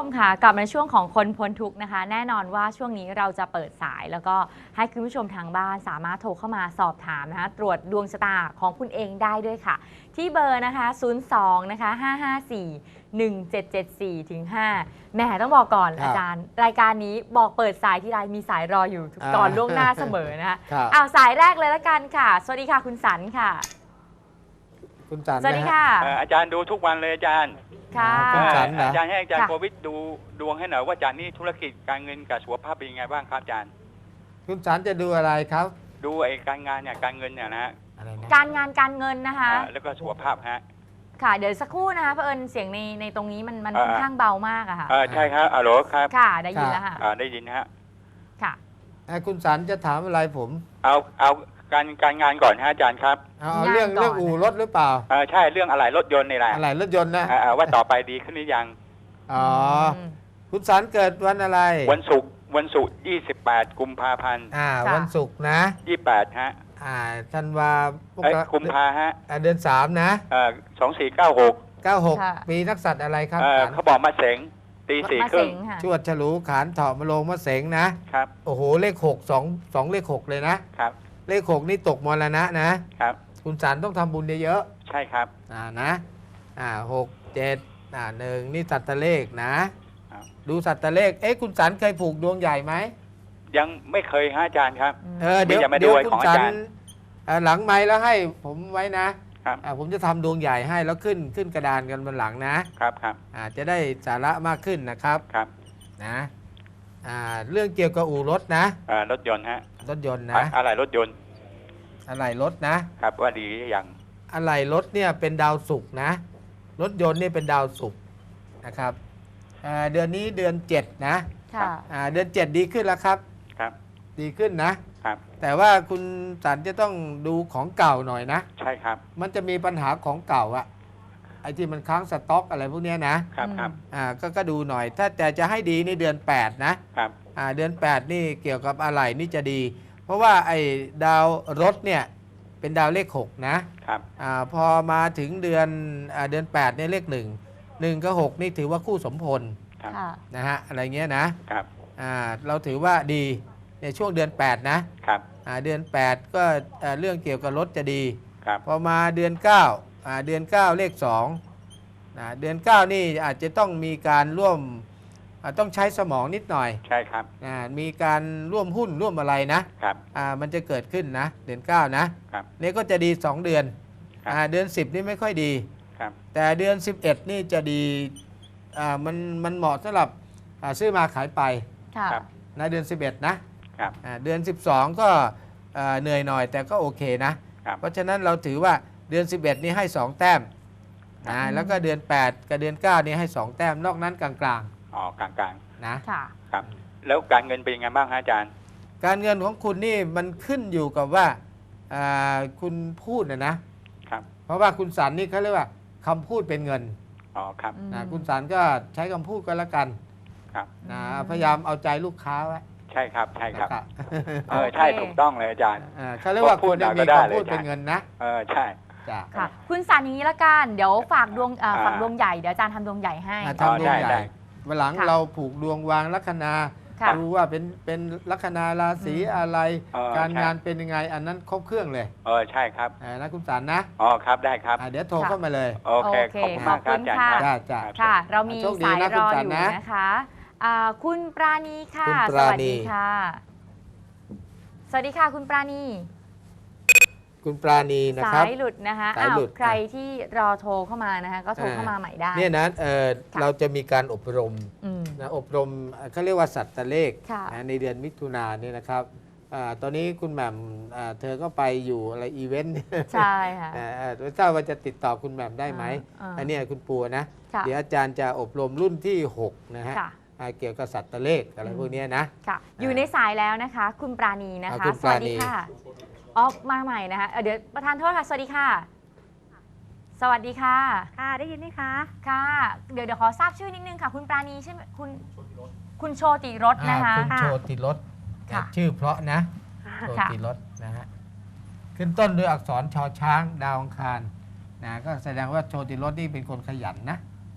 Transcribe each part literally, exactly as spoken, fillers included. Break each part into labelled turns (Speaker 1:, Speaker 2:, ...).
Speaker 1: มค่ะกลับมาในช่วงของคนพ้นทุกข์นะคะแน่นอนว่าช่วงนี้เราจะเปิดสายแล้วก็ให้คุณผู้ชมทางบ้านสามารถโทรเข้ามาสอบถามนะคะตรวจดวงชะตาของคุณเองได้ด้วยค่ะที่เบอร์นะคะศูนย์ สอง นะคะห้า ห้า สี่ หนึ่ง เจ็ด เจ็ด สี่ ถึง ห้าแหมต้องบอกก่อนอาจารย์รายการนี้บอกเปิดสายที่ไรมีสายรออยู่ก่อนล่วงหน้าเสมอนะคะเอาสายแรกเลยละกันค่ะสวัสดีค่ะคุณสันค่ะ
Speaker 2: คุณสัน
Speaker 1: สวัสดีค่ะ
Speaker 3: อาจารย์ดูทุกวันเลยอาจารย์
Speaker 1: ค่ะ
Speaker 3: อาจารย์ให้อาจารย์โควิดดูดวงให้หน่อยว่าอาจารย์นี่ธุรกิจการเงินกับสุขภาพเป็นยังไงบ้างครับอาจารย์
Speaker 2: คุณสันจะดูอะไรครับ
Speaker 3: ดูไอ้การงานเนี่ยการเงินเนี่ยนะ
Speaker 1: การงานการเงินนะคะ
Speaker 3: แล้วก็สุขภาพฮะ
Speaker 1: ค่ะเดี๋ยวสักครู่นะคะเผอิญเสียงในในตรงนี้มันมันค่อนข้างเบามากอะค่ะ
Speaker 3: ใช่ครับอ๋อครับ
Speaker 1: ค่ะได้ยินแล้วค่ะ
Speaker 3: ได้ยินฮะ
Speaker 1: ค่ะ
Speaker 2: คุณสันจะถามอะไรผม
Speaker 3: เอาเอาการการงานก่อนฮะอาจารย์ครับ
Speaker 2: เอาเรื่องเรื่องอู่รถหรือเปล่า
Speaker 3: ใช่เรื่องอะไรรถยนต์นี่แหละ
Speaker 2: อะไรรถยนต์นะ
Speaker 3: ว่าต่อไปดีขึ้นหรือยัง
Speaker 2: อ๋อคุณสันเกิดวันอะไร
Speaker 3: วันศุกร์วันศุกร์ยี่สิบแปดกุมภาพันธ์
Speaker 2: อ่าวันศุกร์นะ
Speaker 3: ยี่สิบแปดฮะ
Speaker 2: อ่าธันวา
Speaker 3: กุมภาฮะ
Speaker 2: เดือนสามนะ
Speaker 3: เออสองสี่เก้าหก
Speaker 2: เก้าหกปีนักสัตว์อะไรครับ
Speaker 3: เขาบอกมาเสงตีสี่ครึ่ง
Speaker 2: ชวดฉลูขานเถาะมะโรงมะเสงนะครับโอ้โหเลขหกสองสองเลขหกเลยนะครับเลขหกนี่ตกมรณะนะครับคุณสันต้องทำบุญเยอะ
Speaker 3: ๆใช่ครับ
Speaker 2: อ่านะอ่าหกเจ็ดอ่าหนึ่งนี่สัตว์เลขนะดูสัตว์เลขเอ๊ะคุณสันเคยผูกดวงใหญ่ไหม
Speaker 3: ยังไม่เคยฮะอาจารย์ครับ
Speaker 2: เออเดี๋ยวเดี๋ยวคุณสันหลังไม้แล้วให้ผมไว้นะครับผมจะทำดวงใหญ่ให้แล้วขึ้นขึ้นกระดานกันบนหลัง
Speaker 3: นะครับครับ
Speaker 2: อ่าจะได้สาระมากขึ้นนะครับ
Speaker 3: ครับ
Speaker 2: นะอ่าเรื่องเกี่ยวกับอู่รถนะ
Speaker 3: อ่ารถยนต์ฮะ
Speaker 2: รถยนต์นะ
Speaker 3: อะไรรถยนต์
Speaker 2: อะไรรถ
Speaker 3: นะครับว่าดีหรือยัง
Speaker 2: อะไรรถเนี่ยเป็นดาวศุกร์นะรถยนต์นี่เป็นดาวศุกร์นะครับเดือนนี้เดือนเจ็ดนะเดือนเจ็ดดีขึ้นแล้วครับ
Speaker 3: ครับ
Speaker 2: ดีขึ้นนะครับแต่ว่าคุณสันจะต้องดูของเก่าหน่อยนะ
Speaker 3: ใช่ครับ
Speaker 2: มันจะมีปัญหาของเก่าอะไอ้ที่มันค้างสต็อกอะไรพวกนี้
Speaker 3: นะครับครับ
Speaker 2: อ่าก็ก็ดูหน่อยถ้าแต่จะให้ดีในเดือนแปดนะครับอ่าเดือนแปดนี่เกี่ยวกับอะไรนี่จะดีเพราะว่าไอ้ดาวรถเนี่ยเป็นดาวเลขหกนะครับอ่าพอมาถึงเดือนอ่าเดือนแปดเนี่ยเลขหนึ่งหนึ่งกับหกนี่ถือว่าคู่สมพลนะฮะอะไรเงี้ยนะครับอ่าเราถือว่าดีในช่วงเดือนแปดนะครับอ่าเดือนแปดก็เรื่องเกี่ยวกับรถจะดี
Speaker 3: ครับ
Speaker 2: พอมาเดือนเก้าอ่าเดือนเก้าเลขสองนะเดือนเก้านี่อาจจะต้องมีการร่วมต้องใช้สมองนิดหน่อย
Speaker 3: ใช่ครับ
Speaker 2: อ่ามีการร่วมหุ้นร่วมอะไรนะครับอ่ามันจะเกิดขึ้นนะเดือนเก้านะครับนี่ก็จะดีสองเดือนอ่าเดือนสิบนี่ไม่ค่อยดี
Speaker 3: ครับ
Speaker 2: แต่เดือนสิบเอ็ดนี่จะดีอ่ามันมันเหมาะสำหรับซื้อมาขายไปในเดือนสิบเอ็ดนะครับเดือนสิบสองก็เหนื่อยหน่อยแต่ก็โอเคนะเพราะฉะนั้นเราถือว่าเดือนสิบเอ็ดนี่ให้สองแต้มนะแล้วก็เดือนแปดกับเดือนเก้านี่ให้สองแต้มนอกนั้นกลาง
Speaker 3: ๆอ๋อกลาง
Speaker 2: ๆนะ
Speaker 3: ครับแล้วการเงินเป็นยังไงบ้างอาจารย์
Speaker 2: การเงินของคุณนี่มันขึ้นอยู่กับว่าคุณพูดนะนะครับเพราะว่าคุณสันนี่เขาเรียกว่าคำพูดเป็นเงิน
Speaker 3: อ๋อครับ
Speaker 2: นะคุณสันก็ใช้คำพูดก็แล้วกัน
Speaker 3: ครับ
Speaker 2: นะพยายามเอาใจลูกค้าไว้
Speaker 3: ใช่ครับใช่ครับเออใช่ถูกต้องเลยอาจารย์
Speaker 2: เขาเรียกว่าคนมีคำพูดเป็นเงินนะ
Speaker 3: เออใช่
Speaker 1: ค่ะคุณสันอย่างนี้ละกันเดี๋ยวฝากดวงฝากดวงใหญ่เดี๋ยวอาจารย์ทำดวงใหญ่ให้
Speaker 2: ทำดวงใหญ่วันหลังเราผูกดวงวางลัคนาดูว่าเป็นเป็นลัคนาราศีอะไรการงานเป็นยังไงอันนั้นครบเครื่องเลย
Speaker 3: เออใช่ครับ
Speaker 2: นะคุณสันนะ
Speaker 3: อ๋อครับได้ครับ
Speaker 2: เดี๋ยวโทรเข้ามาเลย
Speaker 3: โอเคขอบคุณมากครับอาจารย์
Speaker 1: จ้าจ้าค่ะเรามีสายรออยู่นะคะคุณปราณีค่ะสวัสดีค่ะสวัสดีค่ะคุณปราณี
Speaker 2: คุณปราณีนะครับ
Speaker 1: สายหลุดนะคะอ้าวใครที่รอโทรเข้ามานะคะก็โทรเข้ามาใหม่ได้
Speaker 2: เนี่ยนะเออเราจะมีการอบรมนะอบรมเขาเรียกว่าสัตว์เลขในเดือนมิถุนายนนี่นะครับตอนนี้คุณแหม่มเธอก็ไปอยู่อะไรอีเวนต์
Speaker 1: ใช่ค่ะ
Speaker 2: ไม่ทราบว่าจะติดต่อคุณแหม่มได้ไหมอันนี้คุณปูนะเดี๋ยวอาจารย์จะอบรมรุ่นที่หกนะฮะเกี่ยวกับสัตว์เลขอะไรพวกนี้นะ
Speaker 1: ค่ะอยู่ในสายแล้วนะคะคุณปราณีนะคะสวัสดีค่ะออกมาใหม่นะคะเดี๋ยวประธานโทษค่ะสวัสดีค่ะสวัสดีค่ะ
Speaker 4: ค่ะได้ยินไหมคะ
Speaker 1: ค่ะเดี๋ยวเดี๋ยวขอทราบชื่อนิดนึงค่ะคุณปราณีใช่ไหมคุณคุณโชติรสนะคะ
Speaker 2: คุณโชติรสชื่อเพราะนะโชติรสนะฮะขึ้นต้นด้วยอักษรชอช้างดาวอังคารนะก็แสดงว่าโชติรสนี่เป็นคนขยันนะ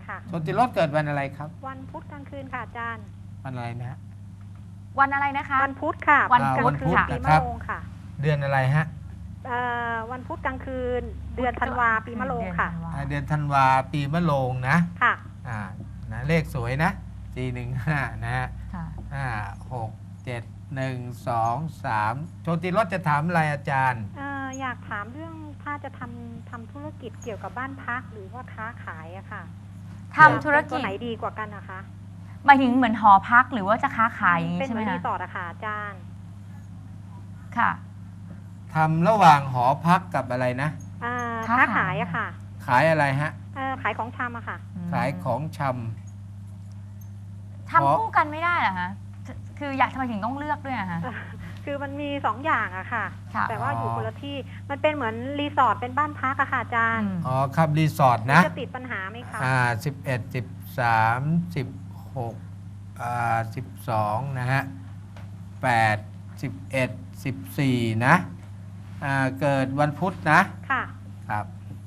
Speaker 4: ค่ะ
Speaker 2: โชติรสเกิดวันอะไรครับ
Speaker 4: วันพุธกลางคืนค่ะอาจารย์
Speaker 2: วันอะไรนะฮะ
Speaker 1: วันอะไรนะคะ
Speaker 4: วันพุธค่ะ
Speaker 1: วัน
Speaker 4: กลาง
Speaker 2: วัน
Speaker 4: คื
Speaker 2: พุ
Speaker 4: น
Speaker 2: ธ
Speaker 4: ปี
Speaker 2: นะ
Speaker 4: มะ
Speaker 2: ครับ
Speaker 4: โรงค่ะ
Speaker 2: เดือนอะไรฮะ
Speaker 4: เอ่อวันพุธกลางคืน เดือนธันวาปีมะโรงค่ะ
Speaker 2: อ่าเดือนธันวาปีมะโรงนะ
Speaker 4: ค่ะ
Speaker 2: อ่านะเลขสวยนะสี่หนึ่งห้านะฮะ
Speaker 1: ค่ะ
Speaker 2: ห้าหกเจ็ดหนึ่งสองสามโชติรสจะถามอะไรอาจารย์
Speaker 4: เอ่ออยากถามเรื่องถ้าจะทำทำธุรกิจเกี่ยวกับบ้านพักหรือว่าค้าขายอะค่ะ
Speaker 1: ทำธุร
Speaker 4: ตั
Speaker 1: กิ
Speaker 4: ว
Speaker 1: จ
Speaker 4: ไหนดีกว่ากันนะคะ
Speaker 1: หมายถึงเหมือนหอพักหรือว่าจะค้าขายอย่างนี้
Speaker 4: เป็น
Speaker 1: ใช่
Speaker 4: เห
Speaker 1: ไหม
Speaker 4: มือนรี
Speaker 1: คะ
Speaker 4: สอร์ทอะค่ะอาจารย์
Speaker 1: ค่ะ
Speaker 2: ทำระหว่างหอพักกับอะไรนะ
Speaker 4: อ่า
Speaker 1: ค้า
Speaker 4: ค้า
Speaker 1: ขาย
Speaker 4: ขายอะค่ะ
Speaker 2: ขายอะไรฮะ
Speaker 4: เอ่อขายของชำอะค่ะ
Speaker 2: ขายของช
Speaker 1: ทำคู่กันไม่ได้เหรอคะคืออยากทำไมถึงต้องเลือกด้วยอะคะ
Speaker 4: คือมันมีสองอย่างอะค่ะ
Speaker 1: ค่ะ
Speaker 4: แต่ว่าอยู่คนละที่ มันเป็นเหมือนรีสอร์ทเป็นบ้านพักอะค่ะอาจารย์
Speaker 1: อืม
Speaker 2: ำอ๋อครับรีสอร์ทนะ
Speaker 4: จะติดปัญหาไหมคะ
Speaker 2: อ่าสิบเอ็ดสิบสามสิบหกอ่าสิบสองนะฮะแปดสิบเอ็ดสิบสี่นะอ่าเกิดวันพุธนะ
Speaker 4: ค่ะ
Speaker 2: ครับ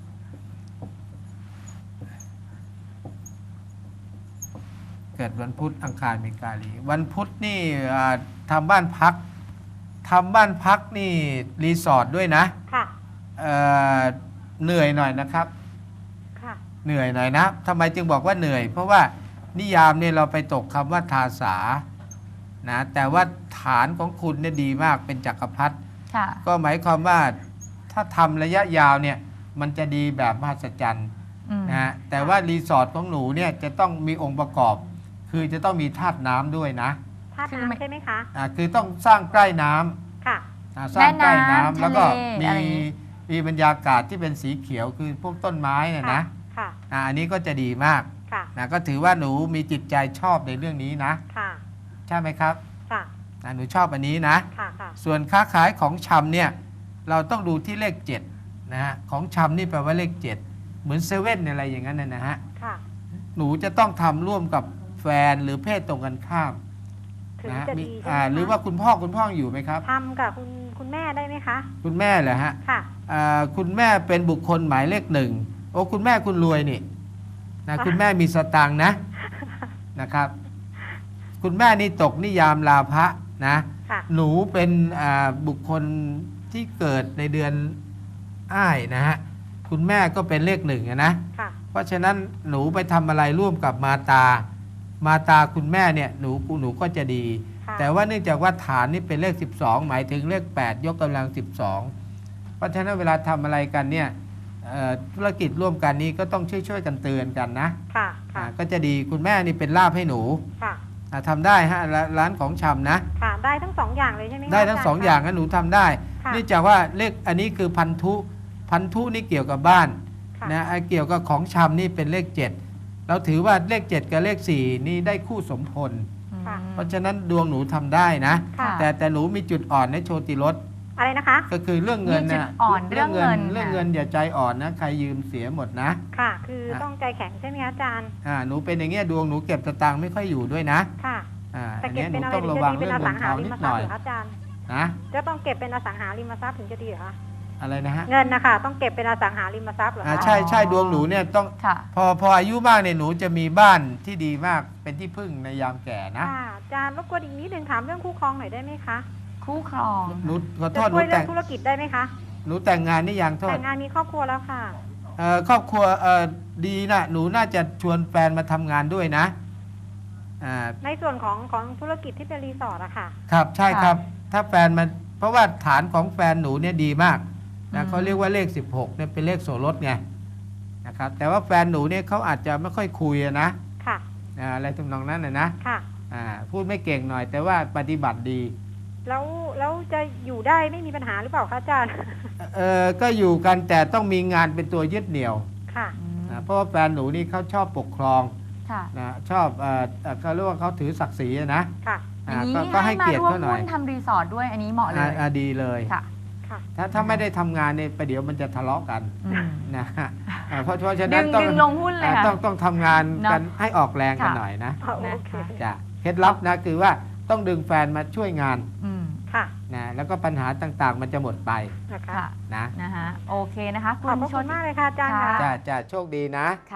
Speaker 2: เกิดวันพุธอังคารมีกาลีวันพุธนี่อ่าทำบ้านพักทำบ้านพักนี่รีสอร์ทด้วยนะ
Speaker 4: ค่ะ
Speaker 2: เอ่อเหนื่อยหน่อยนะครับ
Speaker 4: ค่ะ
Speaker 2: เหนื่อยหน่อยนะทำไมจึงบอกว่าเหนื่อย เพราะว่านิยามเนี่ยเราไปตกคำว่าทาสานะแต่ว่าฐานของคุณเนี่ยดีมากเป็นจักรพรรดิ
Speaker 1: ค่ะ
Speaker 2: ก็หมายความว่าถ้าทำระยะยาวเนี่ยมันจะดีแบบมหัศจรรย์
Speaker 1: อืม
Speaker 2: นะฮะแต่ว่ารีสอร์ทของหนูเนี่ยจะต้องมีองค์ประกอบ คือจะต้องมีธาตุน้ำด้วยนะ
Speaker 4: ท่า
Speaker 1: คือไม่
Speaker 4: น้ำใช่ไหมคะ
Speaker 2: อ่าคือต้องสร้างใกล้น้ำ
Speaker 4: ค่ะ
Speaker 2: อ่าสร้างใกล้
Speaker 1: แม่น้ำ
Speaker 2: น้ำแล้วก็
Speaker 1: ทะเล
Speaker 2: มี
Speaker 1: อะไรอย่างงี้
Speaker 2: มีบรรยากาศที่เป็นสีเขียวคือพวกต้นไม้เนี่ย
Speaker 4: ค่ะ
Speaker 2: นะ
Speaker 4: ค่ะ
Speaker 2: อ่าอันนี้ก็จะดีมาก
Speaker 4: ค่ะ
Speaker 2: นะก็ถือว่าหนูมีจิตใจชอบในเรื่องนี้นะ
Speaker 4: ค่ะ
Speaker 2: ใช่ไหมครับ
Speaker 4: ค่ะ
Speaker 2: อ่าหนูชอบอันนี้นะ
Speaker 4: ค่ะ ค่ะ
Speaker 2: ส่วนค้าขายของชำเนี่ยเราต้องดูที่เลขเจ็ดนะฮะของชำนี่แปลว่าเลขเจ็ดเหมือนเซเว่นอะไรอย่างนั้นนะนะฮะ
Speaker 4: ค่ะ
Speaker 2: หนูจะต้องทำร่วมกับแฟนหรือเพศตรงกันข้าม
Speaker 4: ถึง
Speaker 2: นะฮะ
Speaker 4: จะ
Speaker 2: มี
Speaker 4: ดีใช่
Speaker 2: อ่า
Speaker 4: ไหม
Speaker 2: หรือว่าคุณพ่อคุณพ่ออยู่ไหมครับ
Speaker 4: ทำกับคุณคุณแม่ได้ไหมคะ
Speaker 2: คุณแม่เหรอฮะ
Speaker 4: ค่ะ
Speaker 2: อ่าคุณแม่เป็นบุคคลหมายเลขหนึ่งโอ้คุณแม่คุณรวยนี่นะคุณแม่มีสตังค์นะนะครับ คุณแม่นี่ตกนิยามลาภะนะ
Speaker 4: ค่ะ
Speaker 2: หนูเป็นอ่าบุคคลที่เกิดในเดือนอ้ายนะฮะคุณแม่ก็เป็นเลขหนึ่งอะนะ
Speaker 4: ค่ะ
Speaker 2: เพราะฉะนั้นหนูไปทำอะไรร่วมกับมาตา มาตาคุณแม่เนี่ยหนูหนูก็จะดี
Speaker 4: ค่ะ
Speaker 2: แต่ว่าเนื่องจากว่าฐานนี่เป็นเลขสิบสองหมายถึงเลขแปดยกกำลังสิบสองเพราะฉะนั้นเวลาทำอะไรกันเนี่ยเอ่อธุรกิจร่วมกันนี้ก็ต้องช่วยช่วยๆกันเตือนกันนะ
Speaker 4: ค่ะ ค่ะ
Speaker 2: อ่าก็จะดีคุณแม่นี่เป็นลาภให้หนู
Speaker 4: ค่ะ
Speaker 2: อ่าทำได้ฮะร้านร้านของชำนะ
Speaker 4: ค่ะ ได้ทั้งสองอย่างเลยใช่ไหมคะ
Speaker 2: ได้ทั้งสอง
Speaker 4: จร
Speaker 2: อย่างนะหนูทำได้
Speaker 4: ค่ะ
Speaker 2: เนื่องจากว่าเลขอันนี้คือพันธุ พันธุนี่เกี่ยวกับบ้าน
Speaker 4: ค่ะ
Speaker 2: นะไอ้เกี่ยวกับของชำนี่เป็นเลขเจ็ดเราถือว่าเลขเจ็ดกับเลขสี่นี่ได้คู่สมพล
Speaker 4: ค่ะ
Speaker 2: เพราะฉะนั้นดวงหนูทำได้นะ
Speaker 4: ค่ะ
Speaker 2: แต่แต่หนูมีจุดอ่อนในโชติรส
Speaker 4: อะไรนะคะ
Speaker 2: ก็คือเรื่องเงิน
Speaker 1: มีจุ
Speaker 2: นะ
Speaker 1: ดอ่อนเรื่องเงิน
Speaker 2: เรื่องเงินอย่าใจอ่อนนะใครยืมเสียหมดนะ
Speaker 4: ค่ะ คือ
Speaker 2: ค่ะ
Speaker 4: ต้องใจแข็งใช่ไหมคะอาจารย์
Speaker 2: อ่าหนูเป็นอย่างเงี้ยดวงหนูเก็บสตางค์ไม่ค่อยอยู่ด้วยนะ
Speaker 4: ค่ะ
Speaker 2: อ่า
Speaker 4: แต่
Speaker 2: อัน
Speaker 4: เก็
Speaker 2: เนี้
Speaker 4: บ
Speaker 2: ยห
Speaker 4: เป็
Speaker 2: นู
Speaker 4: นอะไร
Speaker 2: ต้อง
Speaker 4: ถึ
Speaker 2: ระ
Speaker 4: งจะ
Speaker 2: วัง
Speaker 4: ดีเป็น
Speaker 2: เรื่อง
Speaker 4: อ
Speaker 2: เงิ
Speaker 4: สั
Speaker 2: น
Speaker 4: งหา
Speaker 2: ทอง
Speaker 4: ริ
Speaker 2: นิ
Speaker 4: ม
Speaker 2: ด
Speaker 4: ท
Speaker 2: ห
Speaker 4: รัพ
Speaker 2: น่อย
Speaker 4: ย์เหรอคะอาจารย์
Speaker 2: นะ
Speaker 4: จะต้องเก็บเป็นอสังหาริมทรัพย์ถึงจะดีเหรอคะ
Speaker 2: อะไรนะฮะ
Speaker 4: เงินนะคะต้องเก็บเป็นอสังหาริมทรัพย์เหรอ
Speaker 2: อ่า
Speaker 4: คะ
Speaker 2: ใช่ใช่ดวงหนูเนี่ยต้อง
Speaker 1: ค่ะ
Speaker 2: พอพออายุมากเนี่ยหนูจะมีบ้านที่ดีมากเป็นที่พึ่งในยามแก่นะ
Speaker 4: ค่ะอาจารย์รบกวนอีกนิดนึงถามเรื่องคู่ครองหน่อยได้ไหมคะ
Speaker 1: คู่ครอง
Speaker 2: หนูขอโท
Speaker 4: จะ
Speaker 2: ษห
Speaker 4: ช่
Speaker 2: นู
Speaker 4: วยเรื่
Speaker 2: แต่
Speaker 4: อง งธุรกิจได้ไหมคะ
Speaker 2: หนูแต่งงานนี่ยังโทษ
Speaker 4: แต่งงานมีครอบครัวแล้วค่ะ
Speaker 2: เอ่อครอบครัวเอ่อดีนะหนูน่าจะชวนแฟนมาทำงานด้วยนะอ่า
Speaker 4: ในส่วนของของธุรกิจที่เป็นรีสอร์ทอะค่ะ
Speaker 2: ครับใช่
Speaker 1: ค่ะ
Speaker 2: ครับ ถ้าแฟนมันเพราะว่าฐานของแฟนหนูเนี่ยดีมาก
Speaker 1: อื
Speaker 2: นะ
Speaker 1: ม
Speaker 2: เขาเรียกว่าเลขสิบหกเนี่ยเป็นเลขโสรสไงนะครับแต่ว่าแฟนหนูเนี่ยเขาอาจจะไม่ค่อยคุยอะนะ
Speaker 4: ค่ะ
Speaker 2: อ่าอะไรทำนองนั้นนะนะ
Speaker 4: ค่ะ
Speaker 2: อ่าพูดไม่เก่งหน่อย แต่ว่าปฏิบัติดี
Speaker 4: แล้วแล้วจะอยู่ได้ไม่มีปัญหาหรือเปล่าคะอาจารย์
Speaker 2: เออก็อยู่กันแต่ต้องมีงานเป็นตัวยึดเหนี่ยว
Speaker 4: ค่ะ
Speaker 1: อืม
Speaker 2: นะเพราะว่าแฟนหนูนี่เขาชอบปกครอง
Speaker 1: ค่ะ
Speaker 2: นะชอบเอ่อเอ่อเขาเรียกว่าเขาถือศักดิ์ศรีอะนะ
Speaker 4: ค่ะ
Speaker 1: อ
Speaker 2: อ่า
Speaker 1: ย่างนี้
Speaker 2: ก็ก็ให้
Speaker 1: มา
Speaker 2: เกียรติ
Speaker 1: ร่วม
Speaker 2: เขาหน่อ
Speaker 1: หุ้
Speaker 2: ย
Speaker 1: นทำรีสอร์ทด้วยอันนี้เหมาะเล
Speaker 2: อ่าย อ่าดีเลย
Speaker 1: ค่ะ
Speaker 4: ค่ะ
Speaker 2: ถ้าถ้าไม่ได้ทำงานเนี่ยประเดี๋ยวมันจะทะเลาะกัน
Speaker 1: อืม
Speaker 2: นะฮะอ่าเพราะเพราะฉะ
Speaker 1: ดึ
Speaker 2: นั้น
Speaker 1: ง
Speaker 2: ต้อง
Speaker 1: ดึงลงหุ้นเลย
Speaker 2: อ่า
Speaker 1: ค่ะ
Speaker 2: ต้องต้องทำงาน
Speaker 1: เนอะ
Speaker 2: กันให้ออกแรงกัน
Speaker 1: ค่ะ
Speaker 2: หน่อยนะ
Speaker 4: เอาโอเค
Speaker 2: จ้ะเคล็ดลับนะคือว่าต้องดึงแฟนมาช่วยงาน
Speaker 1: อืม
Speaker 4: ค่ะ
Speaker 2: นะแล้วก็ปัญหาต่างๆ มันจะหมดไป
Speaker 4: นะคะ
Speaker 1: ค่ะ
Speaker 2: นะ
Speaker 1: นะคะโอเคนะคะ
Speaker 4: ข
Speaker 1: คุ
Speaker 4: อบ
Speaker 1: ณ
Speaker 4: พระ
Speaker 1: ช
Speaker 4: คุ
Speaker 1: น
Speaker 4: ณมากเลยค่ะอาจารย์ค่ะ
Speaker 2: จ้าจ้าโชคดีนะ
Speaker 1: ค่ะ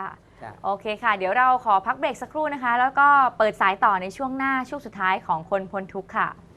Speaker 2: จ้ะ
Speaker 1: โอเคค่ะ เดี๋ยวเราขอพักเบรกสักครู่นะคะ แล้วก็เปิดสายต่อในช่วงหน้าช่วงสุดท้ายของคนพ้นทุกข์ค่ะ